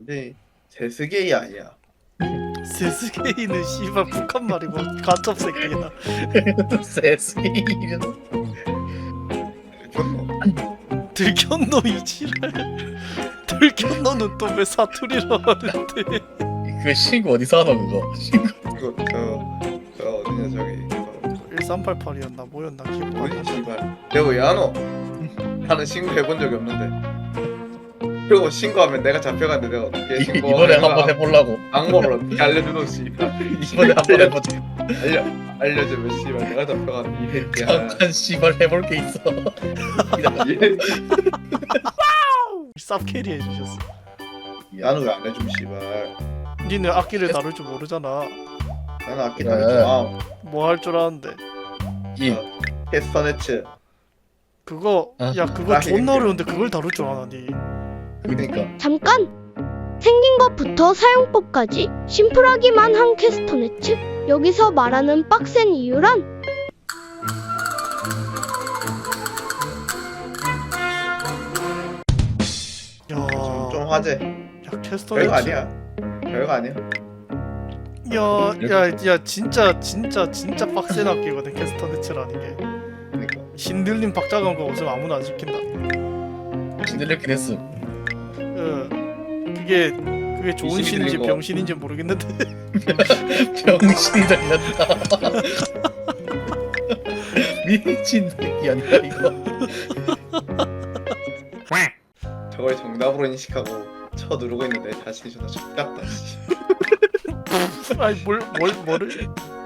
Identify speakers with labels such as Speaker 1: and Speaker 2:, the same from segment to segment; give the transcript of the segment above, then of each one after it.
Speaker 1: 완전히 세스게이 아니야.
Speaker 2: 세스게이는 씨발 북한 말이고 가첩 새끼야.
Speaker 3: 세스게이는
Speaker 1: 존나.
Speaker 2: 들켰노 이 지랄. 들켰노는 또 왜 사투리로 하는데?
Speaker 3: 그 친구 어디서 하노 그거? 친구
Speaker 1: 그거 저 어디냐 저기.
Speaker 2: 1388이었나 뭐였나 기억 안
Speaker 1: 어디
Speaker 2: 나.
Speaker 1: 씨발. 내가 왜 안 와? 나는 신고해본 적이 없는데. 그리고 신고하면 내가 잡혀갔는데 내가 어떻게 신고?
Speaker 3: 이번에 한번 해보려고.
Speaker 1: 방법을 어떻게 알려주노 씨발.
Speaker 3: 이번에 한번 해보자.
Speaker 1: 알려주면 씨발 내가 잡혀갔는데 이 새끼야.
Speaker 3: 잠깐 씨발 해볼 게 있어.
Speaker 2: 쌉캐리 해주셨어.
Speaker 1: 나는 왜 안 해줌 씨발.
Speaker 2: 니는 악기를 다룰 줄 모르잖아.
Speaker 1: 나는 악기
Speaker 3: 그래.
Speaker 1: 다룰 줄 아.
Speaker 2: 뭐 할 줄 아는데.
Speaker 3: 이
Speaker 1: 캐스터네츠.
Speaker 2: 그거
Speaker 3: 아.
Speaker 2: 야 그거
Speaker 1: 아,
Speaker 2: 존나
Speaker 1: 이게-
Speaker 2: 어려운데 그걸 다룰 줄 아나 니.
Speaker 3: 그러니까
Speaker 4: 잠깐! 생긴 것부터 사용법까지 심플하기만 한 캐스터네츠? 여기서 말하는 빡센 이유란?
Speaker 2: 야,
Speaker 1: 좀 화제.
Speaker 2: 야 캐스터
Speaker 1: 별거 아니야. 별거 아니야.
Speaker 2: 야야야 진짜 빡센 악기거든 캐스터네츠라는 게.
Speaker 1: 그러니까.
Speaker 2: 신들림 박자감 거 없으면 아무나 안 시킨다.
Speaker 3: 신들렸긴 했음.
Speaker 2: 그게 좋은
Speaker 1: 이십이
Speaker 2: 신인지
Speaker 1: 들린 거.
Speaker 2: 병신인지 모르겠는데.
Speaker 3: 병신이 들렸다. 미친 새끼 아니야 이거.
Speaker 1: 저걸 정답으로 인식하고 쳐 누르고 있는데 자신이 존나 X같다 씨.
Speaker 2: 아니 뭐를?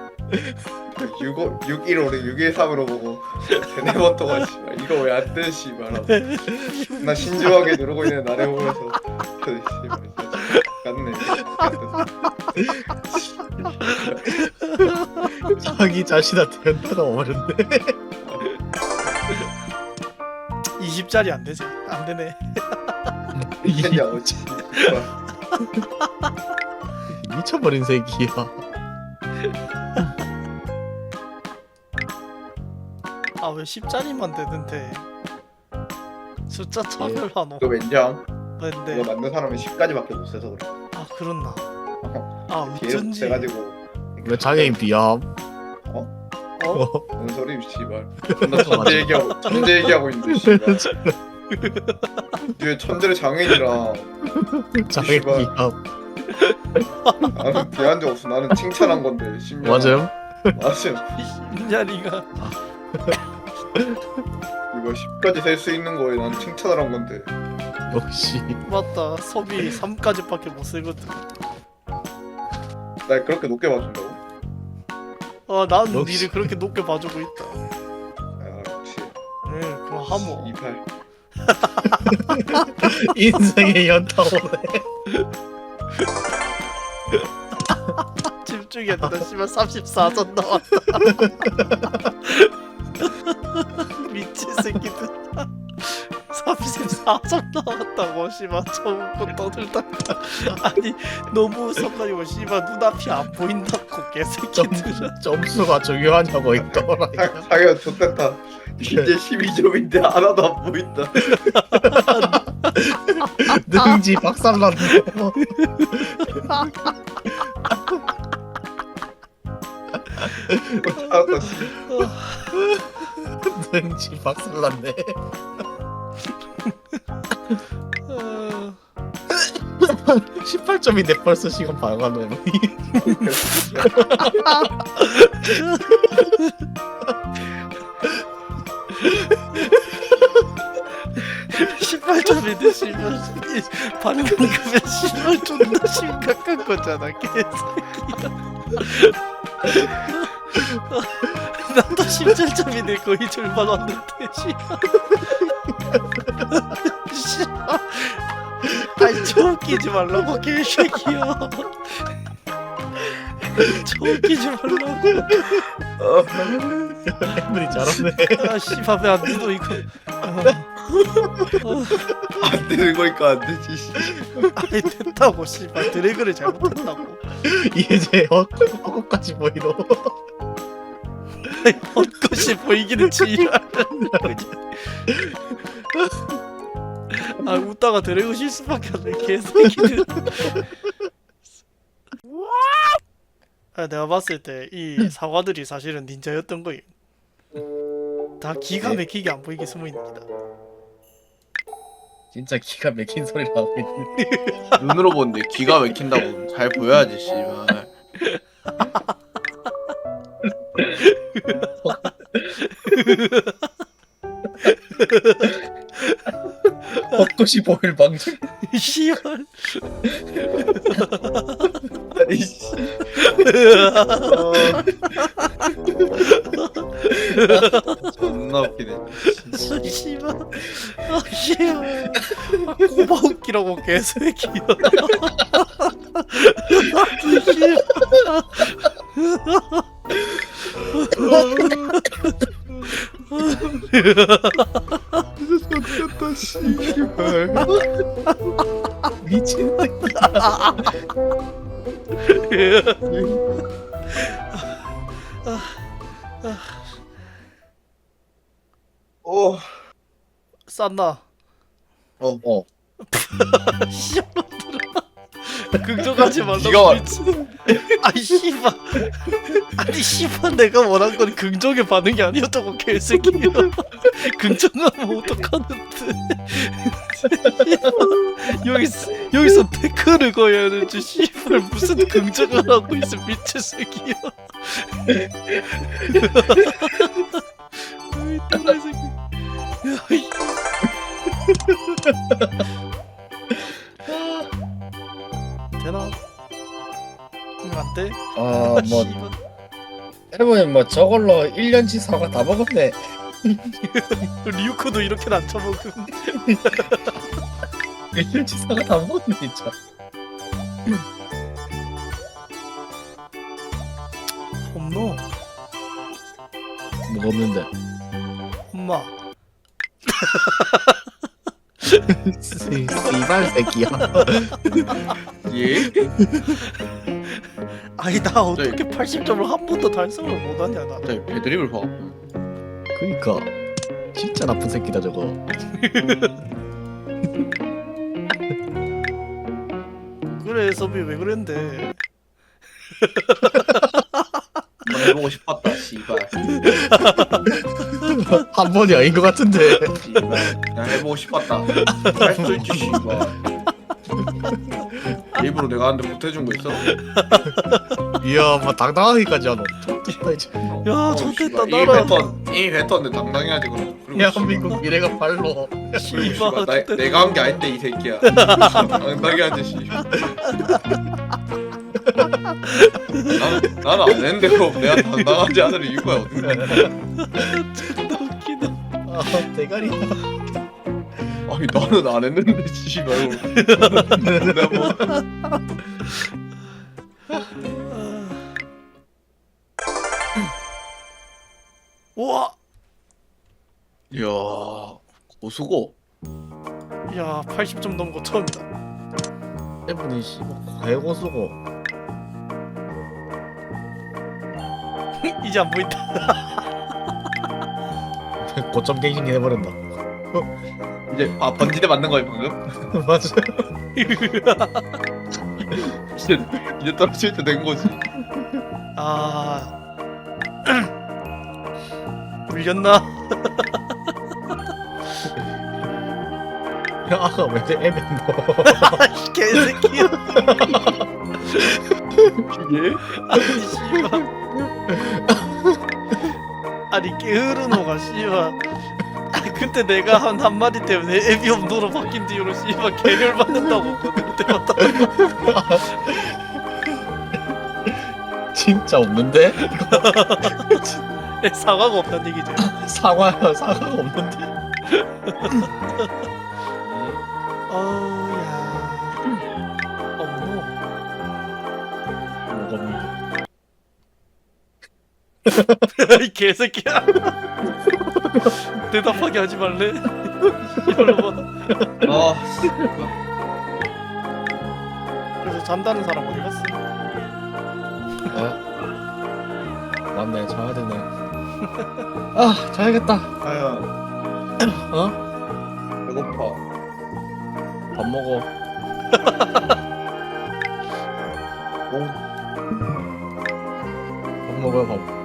Speaker 1: 615를 613으로 보고 세네 번 동안 씨발 이거 왜 안 돼 씨발 하고 나 신중하게 누르고 있는 나를 보면서 그 씨발 X같네.
Speaker 3: 자기 자신한테 연타가 오는데.
Speaker 2: 20짜리 안 되지. 안 되네.
Speaker 1: 이겠냐고 씨발.
Speaker 3: 미쳐버린 새끼야.
Speaker 2: 아 왜 10짜리만 되는데? 숫자 차별하노.
Speaker 1: 이거 왠장?
Speaker 2: 근데
Speaker 1: 이거 만든 사람은 10까지밖에 못 써서 그래.
Speaker 2: 아 그렇나? 아
Speaker 1: 계속
Speaker 2: 어쩐지.
Speaker 1: 돼가지고
Speaker 3: 왜 장애인 비암?
Speaker 2: 어?
Speaker 1: 뭔 소리 씨발. 나 천재 얘기하고 있는데 씨발. 뒤에 천재를 장애인이랑
Speaker 3: 장애인
Speaker 1: 씨발.
Speaker 3: 비암.
Speaker 1: 나는 대한 적 없어. 나는 칭찬한 건데. 10년.
Speaker 3: 맞아요?
Speaker 1: 맞아요.
Speaker 2: 인자리가
Speaker 1: 이거 10까지 셀 수 있는 거에 난 칭찬을 한 건데.
Speaker 3: 역시
Speaker 2: 맞다. 섭이 3까지밖에 못 쓰거든.
Speaker 1: 날 그렇게 높게 봐준다고?
Speaker 2: 난
Speaker 3: 역시.
Speaker 2: 니를 그렇게 높게 봐주고 있다.
Speaker 1: 아 역시.
Speaker 2: 네, 그럼 하모.
Speaker 1: 이팔.
Speaker 3: 인생의 연타 오네.
Speaker 2: 집중해야 된다. 씨발 34점 나왔다. 미친 새끼들. 34점 나왔다고 씨발 처음부터 떠들다가 아니 너무 웃어가지고 씨발 눈앞이 안 보인다고 개새끼들아.
Speaker 3: 점수가 중요하냐고 있더라.
Speaker 1: 자기가 좋댔다. 이제 12점인데 하나도 안 보인다.
Speaker 3: 능지 박살났네.
Speaker 1: 알았다 씨.
Speaker 3: 능지 박살났네.
Speaker 2: 어,
Speaker 3: 18점인데 벌써 시간 반가네.
Speaker 2: 18점인데 씨발 반감급에 씨발 존나 심각한 거잖아 개새끼야. 나도 17점인데 거의 절반 왔는데 씨발. 씨발. 아니 저 웃기지 말라고 개새끼야. 저 웃기지 말라고.
Speaker 3: 해물이 잘하네.
Speaker 2: 아 씨발 왜 안 되노 이거.
Speaker 1: 안 되는 거니까 안 되지 씨.
Speaker 2: 아니 됐다고 씨발 드래그를 잘못했다고.
Speaker 3: 이제 헛것까지 보이노.
Speaker 2: 헛것이 보이기는 지랄. 아 웃다가 드래곤 실수밖에 안 돼. 개새끼들. 아 내가 봤을 때 이 사과들이 사실은 닌자였던 거임. 다 기가 막히게 안 보이게 숨어 있습니다.
Speaker 3: 진짜 기가 막힌 소리 나고 있네.
Speaker 5: 눈으로 보는데 기가 막힌다고 잘 보여야지 씨발.
Speaker 3: 벚꽃이 보일 방송.
Speaker 2: 씨발.
Speaker 1: 아니 씨. 존나 웃기네.
Speaker 2: 씨발. 아 씨발. 아, 꼬마 웃기라고 개새끼야. 씨발.
Speaker 1: 웃겼다 씨발.
Speaker 3: 미친 새끼.
Speaker 1: 어.
Speaker 2: 쌌나?
Speaker 3: 어.
Speaker 2: 씨발. 긍정하지 말라고
Speaker 5: 기가 막-
Speaker 2: 미친. 아이 씨발. 아니 씨발 내가 원한 건 긍정의 반응이 아니었다고 개새끼야. 긍정하면 어떡하는데. 여기서 태클을 거야 되지. 씨발 무슨 긍정을 하고 있어 미친 새끼야. 어이 또라이 새끼. 야, 이- 되나? 응, 안 돼?
Speaker 3: 아, 뭐
Speaker 2: 씨발.
Speaker 3: 해보면 뭐 저걸로 1년치 사과 다 먹었네.
Speaker 2: 리우코도 이렇게는 안 쳐먹음.
Speaker 3: 1년치 사과 다 먹었네 진짜.
Speaker 2: 없노?
Speaker 3: 뭐 없는데.
Speaker 2: 엄마.
Speaker 3: 씨발 새끼야.
Speaker 5: 예?
Speaker 2: 아니 나 어떻게 80점을 한 번도 달성을 못하냐 나.
Speaker 5: 갑자기 배드립을 봐.
Speaker 3: 그니까 진짜 나쁜 새끼다 저거.
Speaker 2: 그래 서비 왜 그랬는데.
Speaker 5: 한번 해보고 싶었다 씨발.
Speaker 3: 한 번이 아닌 것 같은데.
Speaker 5: 씨발. 그냥 해보고 싶었다. 할 수 있지 씨발. 일부러 내가 하는데 못해준 거 있어?
Speaker 3: 이야, 뭐 당당하기까지 하노. 좋다 이제.
Speaker 2: 야 좋겠다
Speaker 5: 이
Speaker 2: 나라.
Speaker 5: 뱉었는데 당당해야지 그럼. 그리고
Speaker 3: 대한민국 미래가 발로.
Speaker 5: 그리고
Speaker 2: 씨발
Speaker 5: 씨발,
Speaker 2: 좋겠다.
Speaker 5: 내가 한 게 아닌데 이 새끼야. 당당해야지 씨발. 나는 안 했는데 그럼 내가 당당하지 않을 이유가 어디?
Speaker 2: 존나 웃기네.
Speaker 3: 아, 대가리.
Speaker 5: 아니 나는 안 했는데 씨발. 내가 뭐
Speaker 2: 우와.
Speaker 5: 이야 고수고.
Speaker 2: 야 80점 넘은 거 처음이다.
Speaker 3: 해분이 씨발 괴고수고.
Speaker 2: 이제 안 보인다.
Speaker 3: 고점 갱신기 해버린다.
Speaker 5: 이제 번지대 맞는 거야 방금?
Speaker 3: 맞아.
Speaker 5: 이제 떨어질 때 된 거지.
Speaker 2: 아. 물렸나?
Speaker 3: 아까 왜 애맨 너.
Speaker 2: 이 개새끼야.
Speaker 5: 예?
Speaker 2: 아니 씨발. 아니 게으르노가 씨발. 그때 내가 한 한마디 때문에 에비엄노로 바뀐 뒤로 씨발 개별 받는다고 그때 봤다.
Speaker 3: 진짜 없는데?
Speaker 2: 사과가 없다는 얘기지.
Speaker 3: 사과가 없는데?
Speaker 2: 어우야. 없노.
Speaker 3: 뭐가 없는데?
Speaker 2: 이 개새끼야. 대답하게 하지 말래. 이걸로 봐.
Speaker 5: 아
Speaker 2: 그래서 잔다는 사람 어디 갔어?
Speaker 3: 맞네, 자야 되네. 아, 자야겠다.
Speaker 1: 아야
Speaker 3: 어?
Speaker 1: 배고파.
Speaker 2: 밥 먹어.
Speaker 3: 밥 먹어요 밥.